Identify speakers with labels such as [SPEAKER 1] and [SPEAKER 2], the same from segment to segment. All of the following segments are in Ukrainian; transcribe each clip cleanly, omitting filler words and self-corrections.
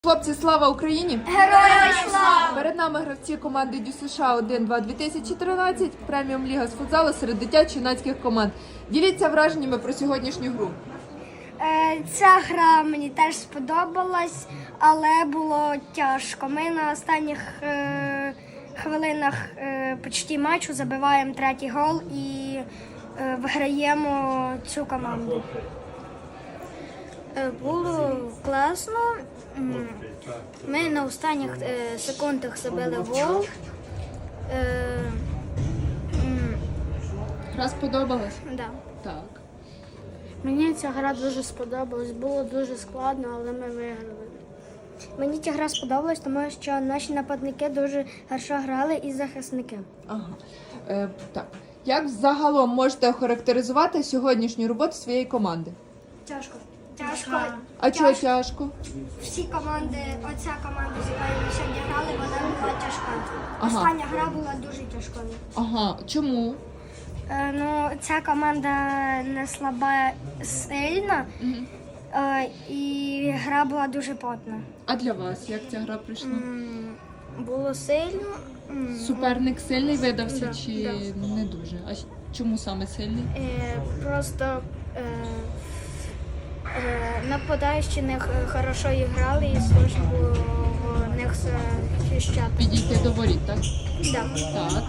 [SPEAKER 1] Хлопці, слава Україні!
[SPEAKER 2] Героям слава!
[SPEAKER 1] Перед нами гравці команди Дю США 1-2 2013, преміум ліга з футзалу серед дитячо-юнацьких команд. Діліться враженнями про сьогоднішню гру.
[SPEAKER 2] Ця гра мені теж сподобалась, але було тяжко. Ми на останніх хвилинах почти матчу забиваємо третій гол і виграємо цю команду.
[SPEAKER 3] Було класно. Ми на останніх секундах забили гол.
[SPEAKER 1] Гра сподобалась?
[SPEAKER 3] Да.
[SPEAKER 1] Так.
[SPEAKER 4] Мені ця гра дуже сподобалась, було дуже складно, але ми виграли.
[SPEAKER 2] Мені ця гра сподобалась, тому що наші нападники дуже хорошо грали і захисники.
[SPEAKER 1] Ага. Так. Як загалом можете охарактеризувати сьогоднішню роботу своєї команди?
[SPEAKER 2] Тяжко.
[SPEAKER 1] А чого тяжко?
[SPEAKER 2] Всі команди, оця команда, з якою ми сьогодні грали, вона була тяжка.
[SPEAKER 1] Ага.
[SPEAKER 2] Остання гра була дуже тяжкою.
[SPEAKER 1] Ага. Чому?
[SPEAKER 2] Ця команда не слаба, сильна, і гра була дуже плотна.
[SPEAKER 1] А для вас як ця гра пройшла?
[SPEAKER 3] Було сильно.
[SPEAKER 1] Суперник сильний видався
[SPEAKER 3] Да,
[SPEAKER 1] чи
[SPEAKER 3] да.
[SPEAKER 1] не дуже? А чому саме сильний?
[SPEAKER 3] Просто нападаючі не хорошо грали і сложно було в них захищати.
[SPEAKER 1] Підійти до воріт, так?
[SPEAKER 3] Да.
[SPEAKER 1] Так.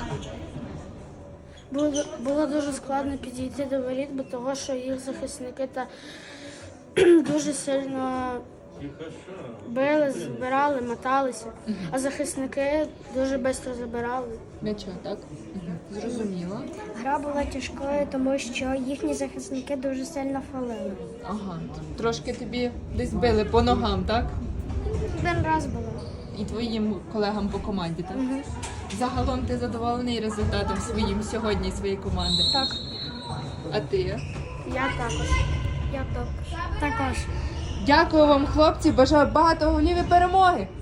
[SPEAKER 4] Було дуже складно підійти до воріт, бо того, що їх захисники дуже сильно били, збирали, моталися, а захисники дуже швидко забирали.
[SPEAKER 1] М'яча, так? Угу. Зрозуміло.
[SPEAKER 2] Гра була тяжкою, тому що їхні захисники дуже сильно фалили.
[SPEAKER 1] Ага. Трошки тобі десь били по ногам, так?
[SPEAKER 2] Один раз було.
[SPEAKER 1] І твоїм колегам по команді, так? Загалом ти задоволений результатом своїм сьогодні своєї команди?
[SPEAKER 2] Так.
[SPEAKER 1] А ти?
[SPEAKER 4] Я також.
[SPEAKER 2] Також.
[SPEAKER 1] Дякую вам, хлопці. Бажаю багато голів і перемоги.